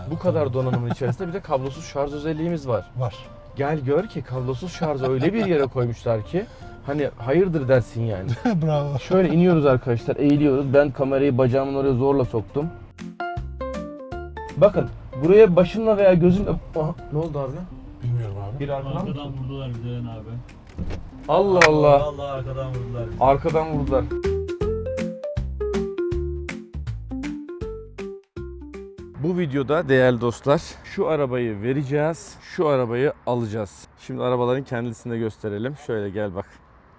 Bu kadar donanımın içerisinde bir de kablosuz şarj özelliğimiz var. Var. Gel gör ki kablosuz şarjı öyle bir yere koymuşlar ki hani hayırdır dersin yani. Bravo. Şöyle iniyoruz arkadaşlar, eğiliyoruz. Ben kamerayı bacağımın oraya zorla soktum. Bakın buraya başımla veya gözümle... Aha, ne oldu abi? Bilmiyorum abi. Bir arkadan mı? Arkadan vurdular bize abi. Allah Allah. Vallahi arkadan vurdular bizi. Arkadan vurdular. Bu videoda değerli dostlar şu arabayı vereceğiz, şu arabayı alacağız. Şimdi arabaların kendisini de gösterelim. Şöyle gel bak.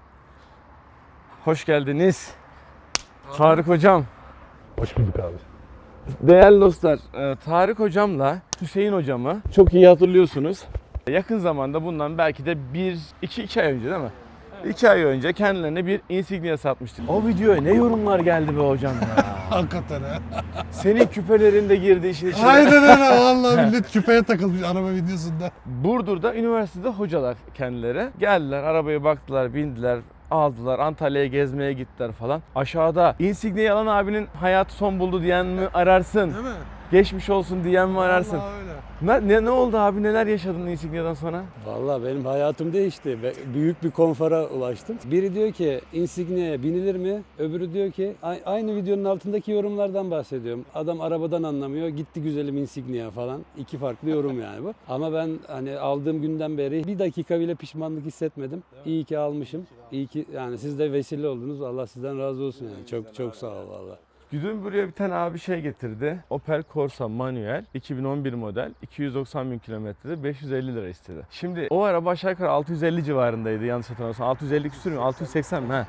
Hoş geldiniz. Tarık hocam. Hoş bulduk abi. Değerli dostlar, Tarık hocamla Hüseyin hocamı çok iyi hatırlıyorsunuz. Yakın zamanda bundan belki de 2 ay önce değil mi? 2 ay önce kendilerine bir Insignia satmıştık. O videoya ne yorumlar geldi be hocam ya. Hakikaten ha. Senin küpelerin de girdi işin içine. Aynen öyle. Vallahi millet küpeye takılmış araba videosunda. Burdur'da üniversitede hocalar kendileri. Geldiler, arabaya baktılar, bindiler, aldılar, Antalya'ya gezmeye gittiler falan. Aşağıda Insignia'yı alan abinin hayatı son buldu diyen mi ararsın? Değil mi? Geçmiş olsun diyen mi ararsın? Vallahi öyle. Ne oldu abi? Neler yaşadın Insignia'dan sonra? Vallahi benim hayatım değişti. Büyük bir konfora ulaştım. Biri diyor ki Insignia'ya binilir mi? Öbürü diyor ki aynı videonun altındaki yorumlardan bahsediyorum. Adam arabadan anlamıyor. Gitti güzelim Insignia falan. 2 farklı yorum yani bu. Ama ben hani aldığım günden beri bir dakika bile pişmanlık hissetmedim. İyi ki almışım. İyi ki yani siz de vesile oldunuz. Allah sizden razı olsun yani. Çok çok sağ ol vallahi. Dün buraya bir tane abi getirdi. Opel Corsa manuel 2011 model 290 bin kilometrede 550 lira istedi. Şimdi o araba aşağı yukarı 650 civarındaydı yanlış hatırlamıyorsam. 650 küsür mü? 680 mi?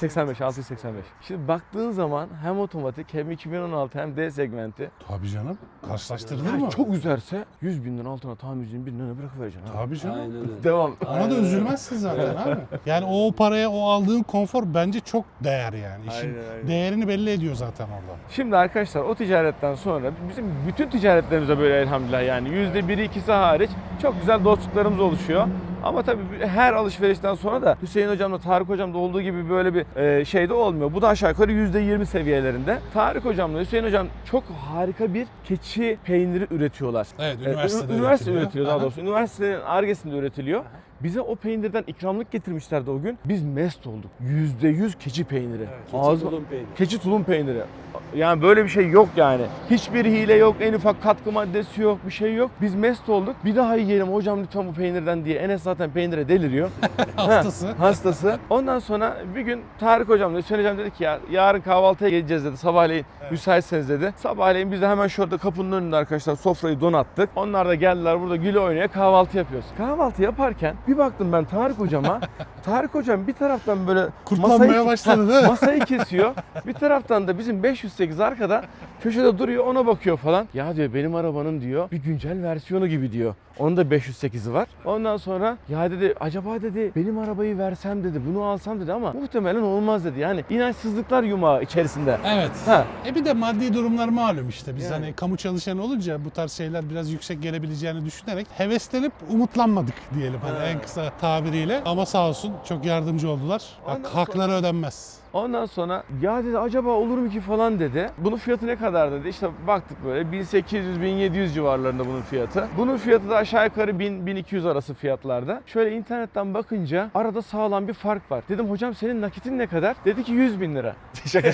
685. Şimdi baktığın zaman hem otomatik hem 2016 hem D segmenti. Tabii canım. Karşılaştırılır mı? Çok üzerse 100 binden altına tamircinin birine bırakıvereceksin abi. Tabii canım. Aynen öyle. Devam. Ona da üzülmezsin zaten abi. Yani o paraya o aldığın konfor bence çok değer yani. İşin Aynen. değerini belli ediyor zaten orada. Şimdi arkadaşlar o ticaretten sonra bizim bütün ticaretlerimize böyle elhamdülillah yani %1'i 2'si hariç çok güzel dostluklarımız oluşuyor. Ama tabii her alışverişten sonra da Hüseyin hocamla Tarık hocamda olduğu gibi böyle bir şey de olmuyor. Bu da aşağı yukarı %20 seviyelerinde. Tarık hocamla Hüseyin hocam çok harika bir keçi peyniri üretiyorlar. Evet, üniversitede Üniversite üretiliyor. üretiliyor daha Aha. doğrusu. Üniversitenin Ar-Ge'sinde üretiliyor. Bize o peynirden ikramlık getirmişlerdi o gün. Biz mest olduk. %100 keçi peyniri. Keçi tulum peyniri. Keçi tulum peyniri. Yani böyle bir şey yok yani. Hiçbir hile yok, en ufak katkı maddesi yok, bir şey yok. Biz mest olduk. Bir daha yiyelim hocam lütfen bu peynirden diye. Enes zaten peynire deliriyor. Hastası. Hastası. Ondan sonra bir gün Tarık hocam da Hüseyin hocam dedi ki ya yarın kahvaltıya geleceğiz dedi. Sabahleyin müsaitseniz dedi. Sabahleyin biz de hemen şurada kapının önünde arkadaşlar sofrayı donattık. Onlar da geldiler burada güle oynaya kahvaltı yapıyoruz. Kahvaltı yaparken bir baktım ben Tarık hocama. Tarık hocam bir taraftan böyle Kurtlanmaya başladı değil mi? masayı kesiyor. Bir taraftan da bizim 508 arkada köşede duruyor ona bakıyor falan. Ya diyor benim arabanın diyor bir güncel versiyonu gibi diyor. Onun da 508'i var. Ondan sonra ya dedi acaba dedi benim arabayı versem dedi bunu alsam dedi ama muhtemelen olmaz dedi. Yani inançsızlıklar yumağı içerisinde. Evet. Ha. Bir de maddi durumlar malum işte. Biz Yani. hani kamu çalışanı olunca bu tarz şeyler biraz yüksek gelebileceğini düşünerek heveslenip umutlanmadık diyelim hani en kısa tabiriyle. Ama sağ olsun çok yardımcı oldular. Ondan Hakları ödenmez. Ondan sonra ya dedi acaba olur mu ki falan dedi. Bunun fiyatı ne kadar dedi. İşte baktık böyle 1800-1700 civarlarında bunun fiyatı. Bunun fiyatı da aşağı yukarı 1000-1200 arası fiyatlarda. Şöyle internetten bakınca arada sağlam bir fark var. Dedim hocam senin nakitin ne kadar? Dedi ki 100 bin lira. Şaka.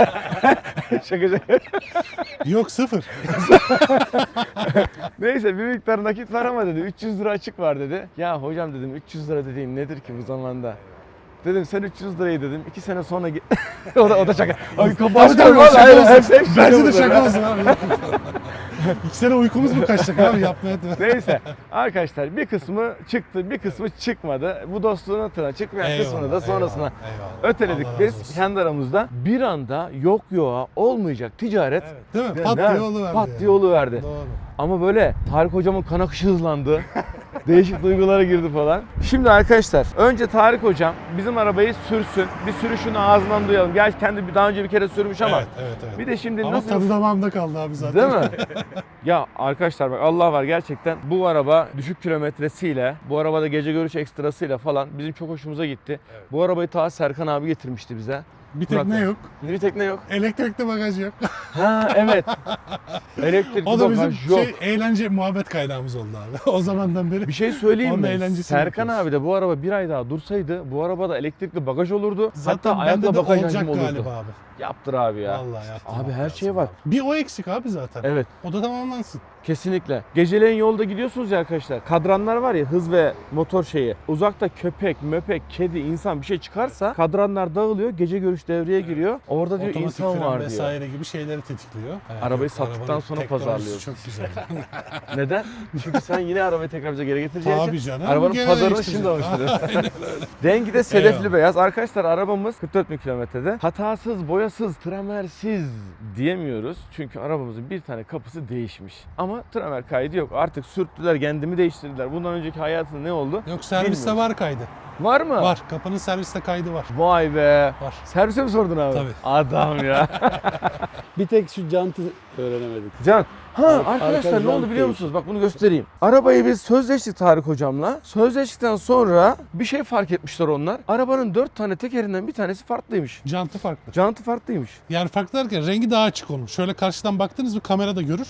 Şaka. Yok sıfır. Neyse bir miktar nakit var ama dedi 300 lira açık var dedi. Ya hocam dedim 300 lira dediğin nedir ki bu zamanda? Dedim sen 300 lirayı dedim 2 sene sonra o da şaka. Ay Tabii, hayır, şaka hep olsun. Bence de şaka şaka olsun abi. 2 sene uykumuz mu kaçacak abi yapmaya devam. Neyse arkadaşlar bir kısmı çıktı bir kısmı çıkmadı. Bu dostluğun hatırına çıkmayan kısmını da sonrasına eyvallah. öteledik Allah razı biz olsun. kendi aramızda. Bir anda yok yoğa olmayacak ticaret Değil mi? Ya Pat nerede? diye oluverdi. Pat yani. diye oluverdi. Doğru. Ama böyle Tarık hocamın kan akışı hızlandı. Değişik duygulara girdi falan. Şimdi arkadaşlar önce Tarık hocam bizim arabayı sürsün. Bir sürüşünü ağzından duyalım. Gerçi kendi daha önce bir kere sürmüş ama. Evet. Bir de şimdi Ama nasıl... tadı damağımda kaldı abi zaten. Değil mi? Ya arkadaşlar bak Allah var gerçekten bu araba düşük kilometresiyle, bu arabada gece görüş ekstrasıyla falan bizim çok hoşumuza gitti. Bu arabayı ta Serkan abi getirmişti bize. Bir tekne Murat. yok. Bir tekne yok. Elektrikli bagaj yok. Ha evet. Elektrikli O da bizim bagaj yok. eğlence muhabbet kaynağımız oldu abi. O zamandan beri. Bir şey söyleyeyim Onun mi? eğlencesini Serkan yapıyoruz. abi de bu araba bir ay daha dursaydı bu arabada elektrikli bagaj olurdu. Zaten Hatta bende ayakla de bagaj olacak hacmi olurdu. galiba abi. Yaptır abi ya. Vallahi yaptım. Abi her lazım şey var. abi. Bir o eksik abi zaten. Evet. O da tamamlansın. Kesinlikle. Geceleyin yolda gidiyorsunuz ya arkadaşlar. Kadranlar var ya, hız ve motor şeyi. Uzakta köpek, möpek, kedi, insan bir şey çıkarsa kadranlar dağılıyor. Gece görüş devreye giriyor. Orada diyor Otomatik insan fren var diyor. vesaire gibi şeyleri tetikliyor. Arabayı yok, sattıktan arabanın sonra teknolojisi pazarlıyorsun. Çok güzel. Neden? Çünkü sen yine arabayı tekrar bize geri getireceğin Tabii için canım, arabanın gene pazarını şimdi değiştireceğiz. alıştırıyorsun. Rengi de sedefli Eyvallah. beyaz. Arkadaşlar arabamız 44 bin kilometrede. Hatasız, boyasız, tramersiz diyemiyoruz. Çünkü arabamızın bir tane kapısı değişmiş. Ama tramer kaydı yok. Artık sürttüler, kendimi değiştirdiler. Bundan önceki hayatında ne oldu? Yok serviste Bilmiyorum. var kaydı. Var mı? Var. Kapının serviste kaydı var. Vay be. Var. Servise mi sordun abi? Tabii. Adam ya. Bir tek şu jantı öğrenemedik. Can. Ha Arka arkadaşlar ne jant oldu biliyor değil. musunuz? Bak bunu göstereyim. Arabayı biz sözleştik Tarık hocamla. Sözleştikten sonra bir şey fark etmişler onlar. Arabanın 4 tane tekerinden bir tanesi farklıymış. Jantı farklı. Jantı farklıymış. Yani farklı derken rengi daha açık olmuş. Şöyle karşıdan baktınız mı kamerada görür.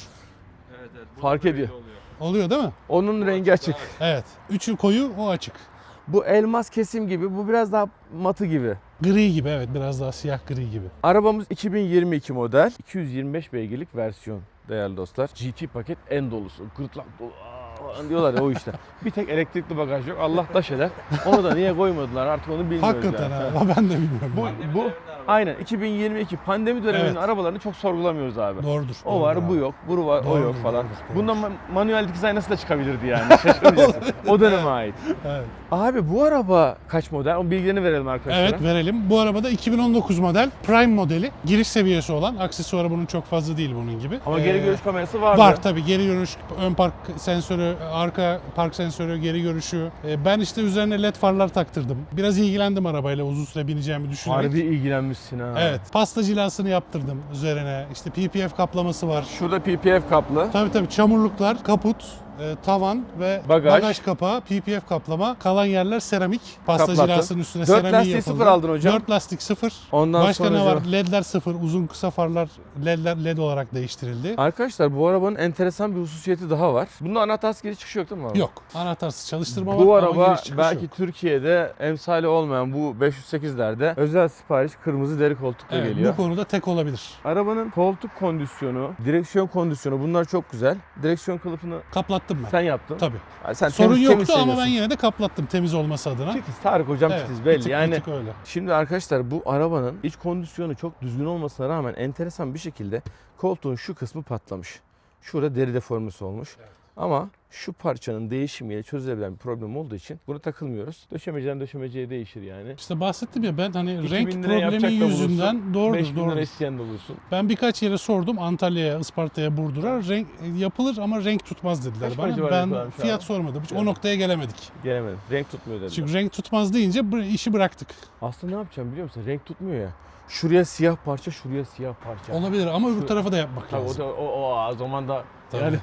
Fark ediyor. Oluyor değil mi? Onun rengi açık. Evet. Üçü koyu, o açık. Bu elmas kesim gibi, bu biraz daha matı gibi. Gri gibi, evet, biraz daha siyah gri gibi. Arabamız 2022 model, 225 beygirlik versiyon değerli dostlar. GT paket en dolusu, gırtlak dolu falan diyorlar ya o işte. Bir tek elektrikli bagaj yok. Allah taş eder. Onu da niye koymadılar artık onu bilmiyoruz Hakikaten yani. ha. Ben de bilmiyorum. Bu aynen 2022 pandemi döneminin Evet. arabalarını çok sorgulamıyoruz abi. Doğrudur. O var, bu yok, bu var, o Doğrudur, yok falan. doğrudur. Bundan manuel dikiz aynası da çıkabilirdi yani. Şaşırmayacaksın. O döneme ait. Evet. Abi bu araba kaç model? O bilgilerini verelim arkadaşlar. Evet, verelim. Bu arabada 2019 model Prime modeli. Giriş seviyesi olan. Aksesuarı bunun çok fazla değil bunun gibi. Ama geri görüş kamerası vardı. Var tabii, geri görüş, ön park sensörü, arka park sensörü, geri görüşü. Ben işte üzerine led farlar taktırdım. Biraz ilgilendim arabayla, uzun süre bineceğimi düşünerek. Harbi ilgilenmişsin ha. Evet. Pasta cilasını yaptırdım üzerine. İşte PPF kaplaması var. Şurada PPF kaplı. Tabii çamurluklar, kaput, tavan ve Bagaj. kapağı, PPF kaplama. Kalan yerler seramik. Pasta Kaplattın. cilasının üstüne 4 seramiği lastiği yapıldı. sıfır aldın hocam. 4 lastik sıfır. Ondan Başka sonra ne var? LED'ler sıfır. Uzun kısa farlar LED olarak değiştirildi. Arkadaşlar bu arabanın enteresan bir hususiyeti daha var. Bunda anahtarsız giriş çıkış yok değil mi abi? Yok. Anahtarsız çalıştırma var Bu ama araba giriş çıkış belki yok. Türkiye'de emsali olmayan bu 508'lerde özel sipariş kırmızı deri koltukla Evet, geliyor. bu konuda tek olabilir. Arabanın koltuk kondisyonu, direksiyon kondisyonu bunlar çok güzel. Direksiyon kılıfını Kaplattım ben. sen yaptın. Tabii. Yani sen Sorun temiz yoktu ama ben seviyorsun. yine de kaplattım temiz olması adına. Titiz Tarık hocam Evet, titiz bir belli. tık- Yani bir tık öyle. şimdi arkadaşlar bu arabanın iç kondisyonu çok düzgün olmasına rağmen enteresan bir şekilde koltuğun şu kısmı patlamış. Şurada deri deformesi olmuş. Ama şu parçanın değişimiyle çözülebilen bir problem olduğu için bunu takılmıyoruz. Döşemeciden döşemeciye değişir yani. İşte bahsettim ya, ben hani 2000 renk lira yapacak problemi da yüzünden bulursun, doğrudur 5000 lira doğrudur. isteyen de bulursun. Ben birkaç yere sordum, Antalya'ya, Isparta'ya, Burdur'a. Renk yapılır ama renk tutmaz dediler Kaç bana. para civarı Ben yapıyorlarmış fiyat abi? sormadım. Hiç Evet. o noktaya gelemedik. Gelemedim. Renk tutmuyor dediler. Çünkü renk tutmaz deyince işi bıraktık. Aslında ne yapacağım biliyor musun? Renk tutmuyor ya. Şuraya siyah parça, şuraya siyah parça. Olabilir ama öbür Şu- tarafa da yapmak Tabii lazım. o zaman da Tabii. yani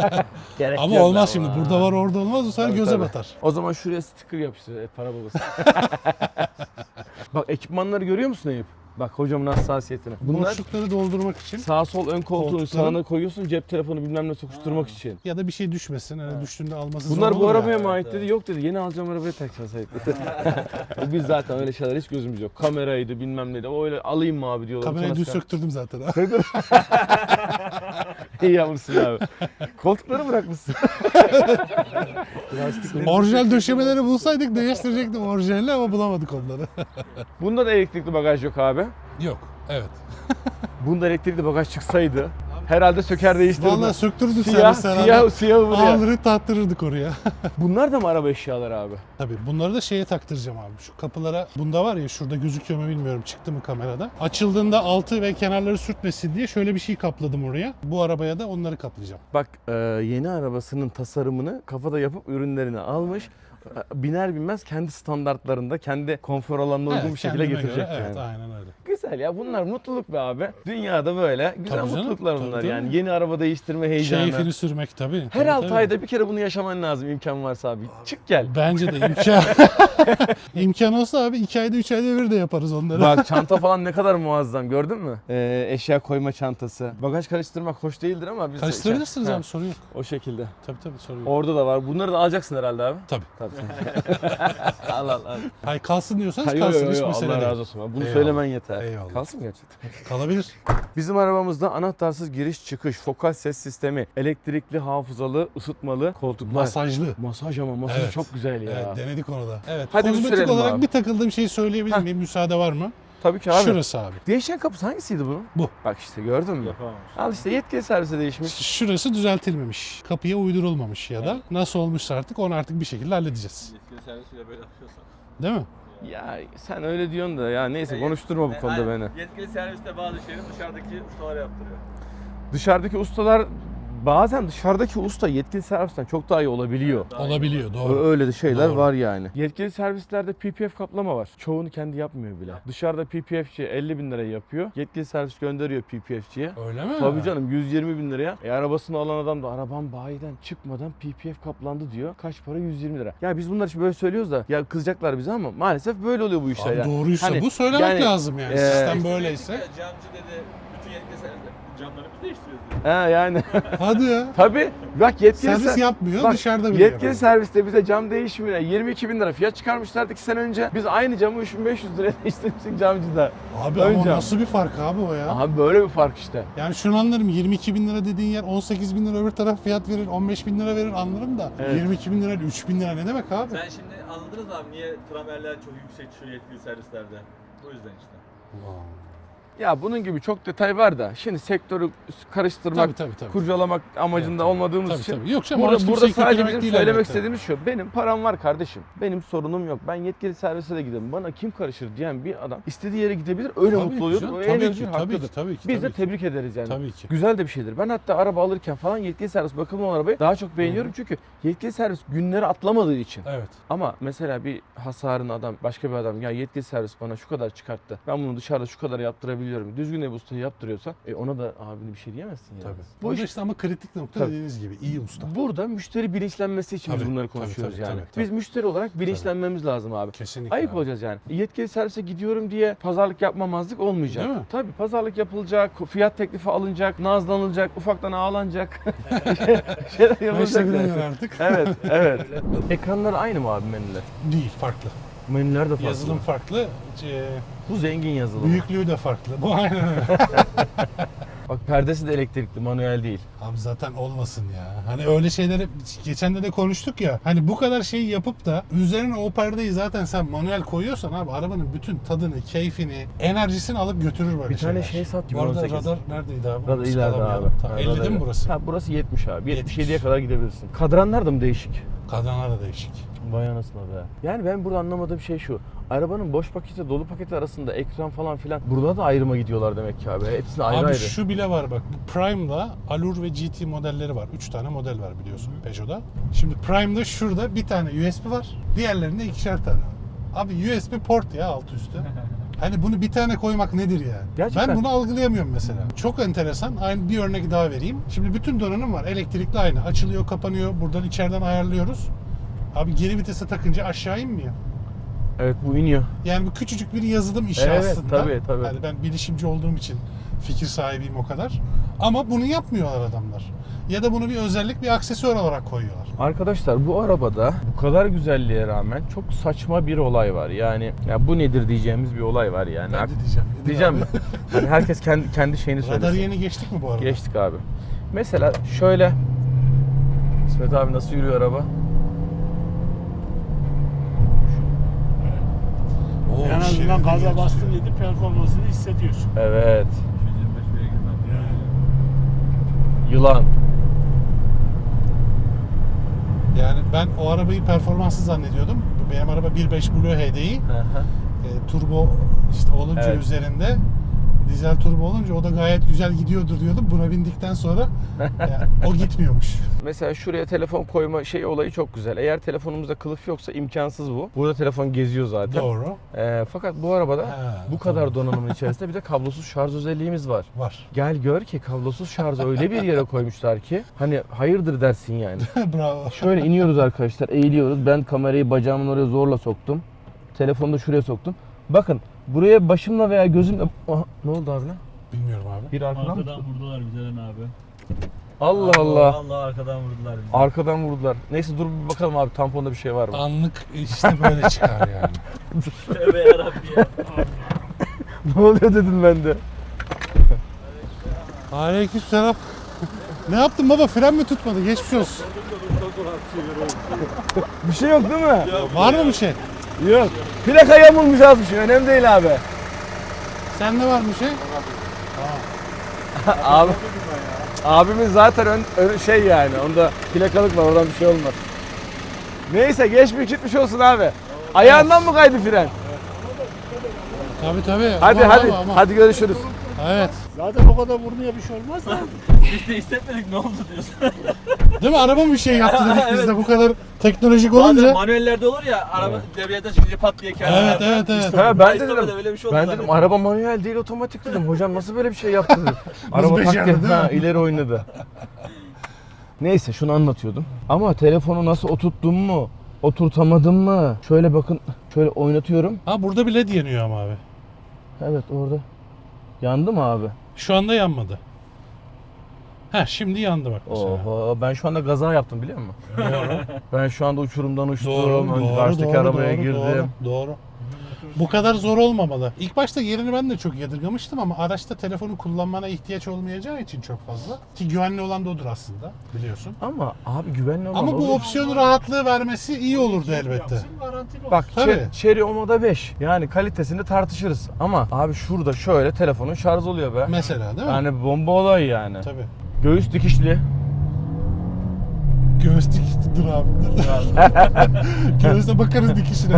gerek Ama yok olmaz ama. şimdi. Burada var orada olmaz. Bu sefer Tabii, göze tabii. batar. O zaman şuraya sticker yapıştır. Para babası. Bak ekipmanları görüyor musun Eyüp? Bak hocamın hassasiyetine. Bunlar Boşlukları doldurmak için sağ sol ön koltuğun Koltukların- sağına koyuyorsun cep telefonu bilmem ne sokuşturmak için. ya da bir şey düşmesin. Hani düştüğünde alması zor Bunlar bu olur ya. arabaya mı ait dedi. Yok dedi. Yeni alacağım arabaya takacağız Eyüp dedi. Biz zaten öyle şeyler hiç gözümüz yok. Kameraydı bilmem neydi. O öyle alayım mı abi diyorlar. Kamerayı Sonra dün söktürdüm zaten. İyi yapmışsın abi. Koltukları bırakmışsın. Orijinal döşemeleri bulsaydık değiştirecektim orijinalini ama bulamadık onları. Bunda da elektrikli bagaj yok abi. Yok. Evet. Bunda elektrikli bagaj çıksaydı herhalde söker değiştirirdi. Vallahi söktürdük Siyah, servis siyah buraya. Alırı taktırırdık oraya. Bunlar da mı araba eşyaları abi? Tabii bunları da şeye taktıracağım abi. Şu kapılara, bunda var ya, şurada gözüküyor mu bilmiyorum, çıktı mı kamerada. Açıldığında altı ve kenarları sürtmesin diye şöyle bir şey kapladım oraya. Bu arabaya da onları kaplayacağım. Bak yeni arabasının tasarımını kafada yapıp ürünlerini almış. Biner binmez kendi standartlarında, kendi konfor alanına uygun bir şekilde kendime getirecek göre, yani. Evet, aynen öyle. Güzel güzel ya. Bunlar mutluluk be abi. Dünyada böyle güzel Tabii canım, mutluluklar tabii, bunlar tabii. yani. Yeni araba değiştirme heyecanı. Keyfini sürmek tabii. Her tabii, 6 tabii. ayda bir kere bunu yaşaman lazım imkan varsa abi. Çık gel. Bence de imkan. İmkan olsa abi 2 ayda 3 ayda bir de yaparız onları. Bak çanta falan ne kadar muazzam gördün mü? Eşya koyma çantası. Bagaj karıştırmak hoş değildir ama biz Karıştırabilirsiniz Ha, abi, sorun yok. o şekilde. Tabii sorun yok. Orada da var. Bunları da alacaksın herhalde abi. Tabii. Tabii. al al al. Hayır, kalsın diyorsanız Ha, yo, yo, kalsın, yo, hiç Allah mesele razı değil. olsun. Bunu Eyvallah. söylemen yeter. Eyvallah. Kalsın mı gerçekten? Kalabilir. Bizim arabamızda anahtarsız giriş çıkış, fokal ses sistemi, elektrikli hafızalı, ısıtmalı koltuklar. Masajlı. Masaj ama masaj Evet. çok güzel ya. Evet, denedik onu da. Evet. Hadi bir kozmetik sürelim olarak abi. bir takıldığım şeyi söyleyebilir miyim? Müsaade var mı? Tabii ki abi. Şurası abi. Değişen kapısı hangisiydi bunun? Bu. Bak işte gördün mü? Yapamamış. Al işte yetkili servise değişmiş. Şurası düzeltilmemiş. Kapıya uydurulmamış ya da nasıl olmuşsa artık onu artık bir şekilde halledeceğiz. Yetkili servisiyle böyle yapıyorsan. Değil mi? Ya sen öyle diyorsun da ya neyse konuşturma bu konuda beni. Yetkili serviste bazı şeyleri dışarıdaki ustalar yaptırıyor. Dışarıdaki ustalar bazen dışarıdaki usta yetkili servisten çok daha iyi olabiliyor. Olabiliyor, doğru. Öyle de şeyler Doğru. var yani. Yetkili servislerde PPF kaplama var. Çoğunu kendi yapmıyor bile. Dışarıda PPF'ci 50 bin liraya yapıyor. Yetkili servis gönderiyor PPF'ciye. Öyle mi? Tabii canım 120 bin liraya. Arabasını alan adam da arabam bayiden çıkmadan PPF kaplandı diyor. Kaç para? 120 lira. Ya biz bunlar için böyle söylüyoruz da ya kızacaklar bize ama maalesef böyle oluyor bu işler. Abi ya. doğruysa Hani bu söylemek yani, lazım yani. Sistem böyleyse. Camcı dedi, bütün yetkili serviste camları biz değiştiriyoruz dedi. Ha yani. Hadi ya. Tabii. Bak yetkili Servis yapmıyor, Bak, dışarıda bile yetkili yapıyor. serviste bize cam değişimine 22 bin lira fiyat çıkarmışlardı 2 sene önce. Biz aynı camı 3500 liraya değiştirmiştik camcıda. Abi Ön ama cam. nasıl bir fark abi o ya? Aha böyle bir fark işte. Yani şunu anlarım, 22 bin lira dediğin yer 18 bin lira öbür taraf fiyat verir, 15 bin lira verir anlarım da Evet. 22 bin lira 3 bin lira ne demek abi? Sen şimdi anladınız abi niye tramerler çok yüksek şu yetkili servislerde. Bu yüzden işte. Ya bunun gibi çok detay var da şimdi sektörü karıştırmak, Tabii. kurcalamak amacında olmadığımız Tabii, için tabii. Yok canım, burada, orası burada kimseyi sadece kötülemek bizim değil söylemek elbette. istediğimiz şu. Benim param var kardeşim. Benim sorunum yok. Ben yetkili servise de giderim. Bana kim karışır diyen bir adam istediği yere gidebilir. Öyle Tabii mutlu ki oluyordur. canım, O en tabii özgür ki, tabii hakkıdır. ki, tabii ki, Biz de tabii ki. tebrik ederiz yani. Tabii ki. Güzel de bir şeydir. Ben hatta araba alırken falan yetkili servis bakımlı olan arabayı daha çok beğeniyorum. Çünkü yetkili servis günleri atlamadığı için. Evet. Ama mesela bir hasarını adam, başka bir adam ya yetkili servis bana şu kadar çıkarttı. Ben bunu dışarıda şu kadar yaptırabiliyorum. Düzgün ev ustayı yaptırıyorsa ona da abini bir şey diyemezsin yani. Tabii. Bu Bu iş işte ama kritik nokta Tabii. dediğiniz gibi iyi usta. burada müşteri bilinçlenmesi için biz Tabii, bunları tabii, konuşuyoruz tabii, yani. tabii. Biz müşteri olarak bilinçlenmemiz lazım abi. Kesinlikle. Ayık abi. olacağız yani. Yetkili servise gidiyorum diye pazarlık yapmamazlık olmayacak. Değil mi? Tabii pazarlık yapılacak, fiyat teklifi alınacak, nazlanılacak, ufaktan ağlanacak. şeyler yapılacak. Başta yani. bilemiyorum artık. Evet, evet. Ekranlar aynı mı abi menüler? Değil, farklı. Menüler de farklı. Yazılım farklı. Bu zengin yazılım. Büyüklüğü de farklı. Bu aynen öyle. Bak perdesi de elektrikli, manuel değil. Abi zaten olmasın ya. Hani öyle şeyleri geçen de konuştuk ya. Hani bu kadar şeyi yapıp da üzerine o perdeyi zaten sen manuel koyuyorsan abi arabanın bütün tadını, keyfini, enerjisini alıp götürür böyle Bir tane şeyler. şey sat gibi Bu arada 18. radar neredeydi abi? Radar ileride abi. Skalamayalım. Tamam, 50 değil mi burası? Ha, burası 70 abi. 70. 77'ye kadar gidebilirsin. Kadranlar da mı değişik? Kadranlar da değişik. Vay anasına be. Yani ben burada anlamadığım şey şu. Arabanın boş paketi dolu paketi arasında ekran falan filan. Burada da ayrıma gidiyorlar demek ki abi. Hepsine ayrı Abi ayrı. şu bile var bak. Bu Prime'da Allure ve GT modelleri var. 3 tane model var biliyorsun Peugeot'da. Şimdi Prime'da şurada bir tane USB var. Diğerlerinde ikişer tane. Abi USB port ya altı üstü. Hani bunu bir tane koymak nedir yani? Gerçekten. Ben bunu algılayamıyorum mesela. Çok enteresan. Aynı bir örnek daha vereyim. Şimdi bütün donanım var. Elektrikli aynı. Açılıyor, kapanıyor. Buradan içeriden ayarlıyoruz. Abi geri vitese takınca aşağı inmiyor. Evet bu iniyor. Yani bu küçücük bir yazılım işi Evet, aslında. tabii. Yani ben bilişimci olduğum için fikir sahibiyim o kadar. Ama bunu yapmıyorlar adamlar. Ya da bunu bir özellik, bir aksesuar olarak koyuyorlar. Arkadaşlar bu arabada bu kadar güzelliğe rağmen çok saçma bir olay var. Yani ya bu nedir diyeceğimiz bir olay var yani. Ben de diyeceğim. Diyeceğim mi? Hani herkes kendi şeyini Radarı söylesin. yeni geçtik mi bu arada? Geçtik abi. Mesela şöyle İsmet abi nasıl yürüyor araba? Oo, En azından şeridi gaza yatıyor. bastın dedi performansını hissediyorsun. Evet. 225 bire girmem. Yılan. Yani ben o arabayı performanslı zannediyordum. Benim araba 1.5 Blue HDI. Hı hı. Turbo işte olunca Evet. üzerinde dizel turbo olunca o da gayet güzel gidiyordur diyordum. Buna bindikten sonra o gitmiyormuş. Mesela şuraya telefon koyma şey olayı çok güzel. Eğer telefonumuzda kılıf yoksa imkansız bu. Burada telefon geziyor zaten. Doğru. Fakat bu arabada Ha, bu kadar donanımın içerisinde bir de kablosuz şarj özelliğimiz var. Var. Gel gör ki kablosuz şarjı öyle bir yere koymuşlar ki hani hayırdır dersin yani. Bravo. Şöyle iniyoruz arkadaşlar, eğiliyoruz. Ben kamerayı bacağımın oraya zorla soktum. Telefonu da şuraya soktum. Bakın buraya başımla veya gözümle... Aha, ne oldu abi lan? Bilmiyorum abi. Bir arkadan mı? Arkadan vurdular bize abi. Allah Allah. Allah arkadan vurdular bizi. Arkadan vurdular. Neyse dur bir bakalım abi tamponda bir şey var mı? Anlık işte böyle çıkar yani. Tövbe yarabbi ya. Ne oluyor dedim ben de. Aleykümselam. Ne yaptın baba? Fren mi tutmadı? Geçmiş olsun. Bir şey yok değil mi? Var mı bir şey? Yok. Plaka yamulmuş azmış. Önemli değil abi. Sende var mı bir şey? Abi. Abimiz zaten şey yani. Onda plakalık var. Oradan bir şey olmaz. Neyse geçmiş gitmiş olsun abi. Ayağından mı kaydı fren? Tabii. Hadi Ama, hadi. ama. Hadi görüşürüz. Evet. Zaten o kadar vurmaya bir şey olmaz da. Biz de hissetmedik ne oldu diyorsun. Değil mi? Araba mı bir şey yaptı dedik biz Evet. de bu kadar teknolojik Bazen olunca. manuellerde olur ya araba debriyajdan çıkınca pat diye kendine. Evet. Ha, ben de İstemeden dedim. öyle bir şey oldu Ben dedim zannettim. araba manuel değil otomatik dedim. Hocam nasıl böyle bir şey yaptı dedim. Araba becerdi, tak değil diye, ha, mi? ileri oynadı. Neyse şunu anlatıyordum. Ama telefonu nasıl oturttum mu? Oturtamadım mı? Şöyle bakın. Şöyle oynatıyorum. Ha burada bile yanıyor ama abi. Evet orada. Yandı mı abi? Şu anda yanmadı. Ha şimdi yandı bak mesela. Oho ben şu anda gaza yaptım biliyor musun? Ben şu anda uçurumdan uçtum. Doğru, Karşıdaki arabaya girdim. Doğru. Bu kadar zor olmamalı. İlk başta yerini ben de çok yadırgamıştım ama araçta telefonu kullanmana ihtiyaç olmayacağı için çok fazla. Ki güvenli olan da odur aslında biliyorsun. Ama abi güvenli olan Ama bu olur. opsiyon rahatlığı vermesi iyi olurdu elbette. Yapsın, garantili Bak Tabii. Cherry Omo'da 5. Yani kalitesini tartışırız. Ama abi şurada şöyle telefonun şarj oluyor be. Mesela değil mi? Yani bomba olay yani. Tabii. Göğüs dikişli. Göğüs dikişi dur abi. Göğüse bakarız dikişine.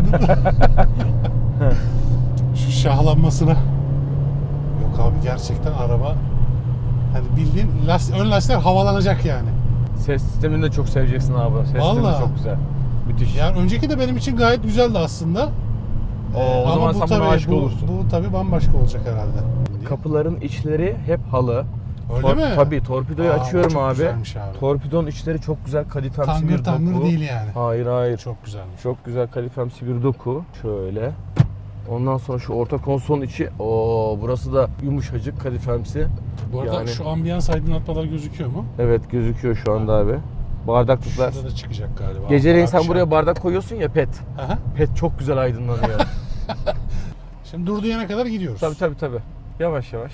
Şu şahlanmasına. Yok abi gerçekten araba hani bildiğin ön lastikler havalanacak yani. Ses sistemini de çok seveceksin abi. Ses sistemi Vallahi. çok güzel. Müthiş. Yani önceki de benim için gayet güzeldi aslında. O zaman sen buna aşık olursun. Bu tabii bambaşka olacak herhalde. Kapıların içleri hep halı. Öyle mi? Tabii torpidoyu Aa, açıyorum çok abi. güzelmiş abi. Torpidonun içleri çok güzel kadifemsi bir Tangır doku. değil yani. Hayır. Çok güzelmiş. Çok güzel kadifemsi bir doku. Şöyle. Ondan sonra şu orta konsolun içi. Burası da yumuşacık kadifemsi. Bu arada Yani- şu ambiyans aydınlatmalar gözüküyor mu? Evet gözüküyor şu anda abi. Bardaklıklar. Şurada da çıkacak galiba. Geceleyin sen Akşam. buraya bardak koyuyorsun ya pet. Aha. Pet çok güzel aydınlanıyor. Şimdi durduğu yere kadar gidiyoruz. tabii. Yavaş. Yavaş.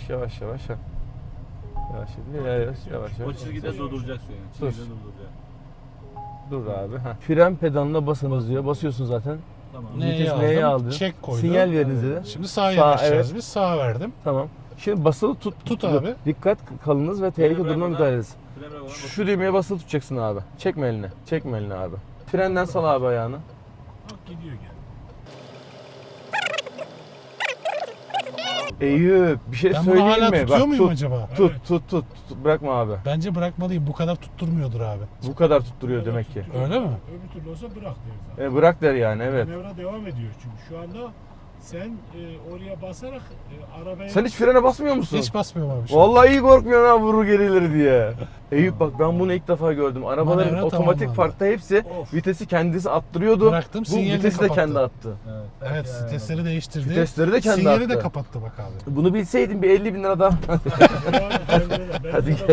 O çizgide durduracaksın yani. Dur. Çizgide durduracaksın. Dur abi. Fren pedalına basınız diyor. Basıyorsun zaten. Tamam. Vites neye aldı? Çek koydu. Sinyal veriniz dedi. Şimdi sağa Sağ, yanaşacağız evet. biz. Sağa verdim. Tamam. Şimdi basılı tut. Tut abi. Dikkat kalınız ve tehlike duruma bırakmadan- müdahale ediniz. Fren bırakmadan Şu düğmeye basılı tutacaksın abi. Çekme elini abi. Frenden sal abi ayağını. Bak gidiyor gene. Eyüp bir şey Ben bunu söyleyeyim hala mi? tutuyor muyum tut, acaba? Tut. Bırakma abi. Bence bırakmalıyım. Bu kadar tutturmuyordur abi. Bu kadar tutturuyor demek ki. Öyle mi? Öbür türlü olsa bırak der zaten. Bırak der yani evet. Manevra devam ediyor çünkü şu anda sen oraya basarak arabaya... Sen hiç frene basmıyor musun? Hiç basmıyorum abi. şu an. Vallahi iyi korkmuyorsun ha vurur gerileri diye. Eyüp bak ben bunu ilk defa gördüm. Arabaların Manevra otomatik tamamlandı. farkta hepsi Of. vitesi kendisi attırıyordu. Bıraktım, Bu sinyali de vitesi de kapattı. kendi attı. Evet, vitesleri değiştirdi. Vitesleri de kendi Sinyali attı. de kapattı bak abi. Bunu bilseydim bir 50 bin lira daha. Hadi gel.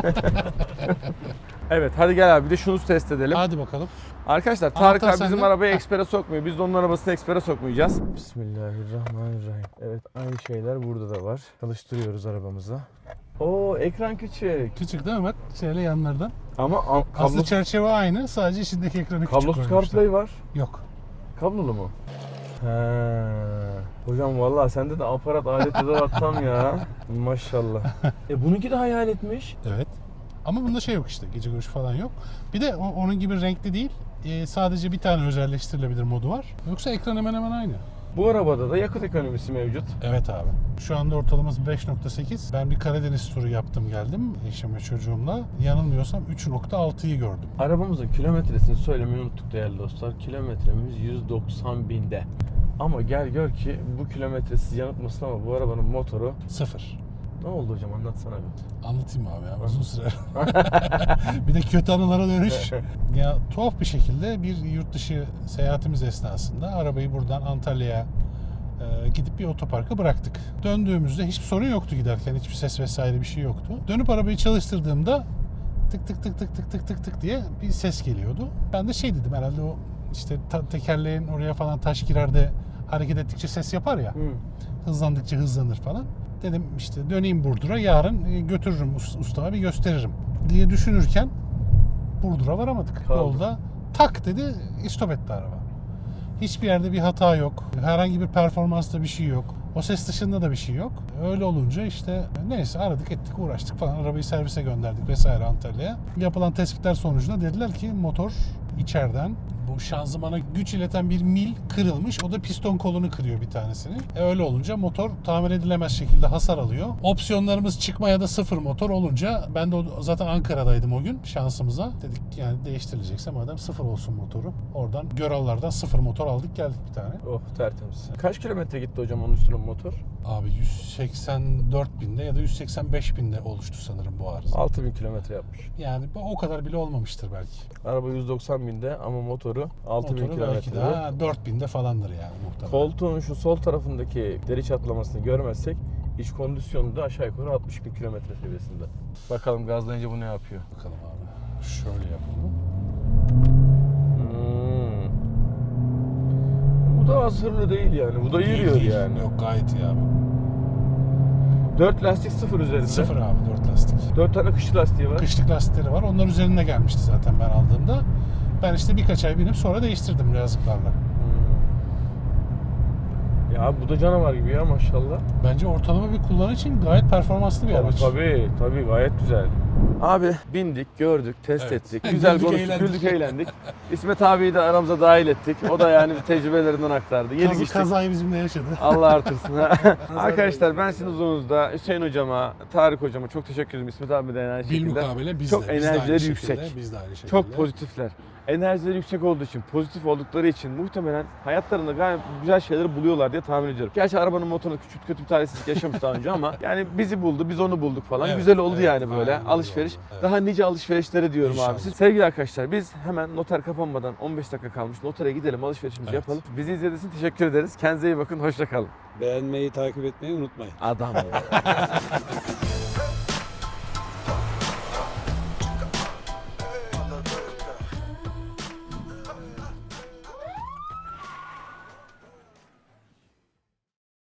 Evet hadi gel abi bir de şunu test edelim. Hadi bakalım. Arkadaşlar Tarık Anahtar abi bizim sende. arabayı ekspere sokmuyor. Biz de onun arabasını ekspere sokmayacağız. Bismillahirrahmanirrahim. Evet aynı şeyler burada da var. Çalıştırıyoruz arabamızı. Oo ekran küçük. Küçük değil mi bak? Şöyle yanlardan. Ama Aslında kablosuz, çerçeve aynı. Sadece içindeki ekranı küçük kablosuz koymuşlar. CarPlay var. Yok. Kablolu mu? He. Hocam vallahi sende de aparat alet edevat tam ya. Maşallah. Bununki de hayal etmiş. Evet. Ama bunda şey yok işte. Gece görüşü falan yok. Bir de onun gibi renkli değil. Sadece bir tane özelleştirilebilir modu var. Yoksa ekran hemen hemen aynı. Bu arabada da yakıt ekonomisi mevcut. Evet abi. Şu anda ortalaması 5.8. Ben bir Karadeniz turu yaptım geldim eşim ve çocuğumla. Yanılmıyorsam 3.6'yı gördüm. Arabamızın kilometresini söylemeyi unuttuk değerli dostlar. Kilometremiz 190 binde. Ama gel gör ki bu kilometresiz yanıltmasın ama bu arabanın motoru 0. ne oldu hocam, anlatsana bir. Anlatayım abi ya, uzun süre. Bir de kötü anılara dönüş. Ya tuhaf bir şekilde bir yurt dışı seyahatimiz esnasında arabayı buradan Antalya'ya gidip bir otoparka bıraktık. Döndüğümüzde hiçbir sorun yoktu giderken. Hiçbir ses vesaire bir şey yoktu. Dönüp arabayı çalıştırdığımda tık tık tık tık tık tık tık tık diye bir ses geliyordu. Ben de şey dedim, herhalde o işte tekerleğin oraya falan taş girer de hareket ettikçe ses yapar ya. Hızlandıkça hızlanır falan. Dedim işte döneyim Burdur'a, yarın götürürüm ustama, bir gösteririm diye düşünürken Burdur'a varamadık. Kaldı. Yolda tak dedi, istop etti araba. Hiçbir yerde bir hata yok. Herhangi bir performansta bir şey yok. O ses dışında da bir şey yok. Öyle olunca işte neyse aradık ettik uğraştık falan. Arabayı servise gönderdik vesaire Antalya'ya. Yapılan tespitler sonucunda dediler ki motor içeriden bu şanzımana güç ileten bir mil kırılmış. O da piston kolunu kırıyor bir tanesini. Öyle olunca motor tamir edilemez şekilde hasar alıyor. Opsiyonlarımız çıkma ya da sıfır motor olunca, ben de zaten Ankara'daydım o gün şansımıza. Dedik yani değiştirilecekse madem sıfır olsun motoru. Oradan Görallar'dan sıfır motor aldık geldik bir tane. Oh, tertemiz. Kaç kilometre gitti hocam onun üstüne motor? Abi 184 binde ya da 185 binde oluştu sanırım bu arıza. 6000 kilometre yapmış. Yani o kadar bile olmamıştır belki. Araba 190 binde ama motoru 6000 Motoru belki kilometre. daha 4000'de falandır yani muhtemelen. Koltuğun şu sol tarafındaki deri çatlamasını görmezsek iç kondisyonu da aşağı yukarı 60 bin kilometre seviyesinde. Bakalım gazlayınca bu ne yapıyor? Bakalım abi. Şöyle yapalım. Bu da az hırlı değil yani. Bu da yürüyor Değil. yani. Yok gayet iyi abi. 4 lastik sıfır üzerinde. Sıfır abi 4 lastik. 4 tane kışlı lastiği var. Kışlık lastikleri var. Onlar üzerinde gelmişti zaten ben aldığımda. Ben işte birkaç ay binip sonra değiştirdim yazıklarla. Ya bu da canavar gibi ya maşallah. Bence ortalama bir kullanıcı için gayet performanslı bir araç. Tabii gayet güzel. Abi bindik, gördük, test Evet. ettik. Güzel Güldük, konuştuk, eğlendik. güldük, eğlendik. İsmet abiyi de aramıza dahil ettik. O da yani tecrübelerinden aktardı. Yedik içtik. Kazayı bizimle yaşadı. Allah artırsın. Arkadaşlar ben sizin huzurunuzda Hüseyin hocama, Tarık hocama çok teşekkür ederim. İsmet abi de aynı Bil şekilde. mukabele biz Çok de. Biz de aynı enerjileri şekilde, yüksek. Biz de aynı şekilde. Çok pozitifler. Enerjileri yüksek olduğu için, pozitif oldukları için muhtemelen hayatlarında gayet güzel şeyleri buluyorlar diye tahmin ediyorum. Gerçi arabanın motorunda küçük kötü bir talihsizlik yaşamış daha önce ama yani bizi buldu, biz onu bulduk falan. Evet, Güzel oldu evet, yani böyle aynen öyle alışveriş. oldu, evet. Daha nice alışverişlere diyorum İnşallah. abi. Sevgili arkadaşlar biz hemen noter kapanmadan 15 dakika kalmış. Notere gidelim, alışverişimizi Evet. yapalım. Bizi izlediğiniz için teşekkür ederiz. Kendinize iyi bakın, hoşça kalın. Beğenmeyi, takip etmeyi unutmayın. Adam.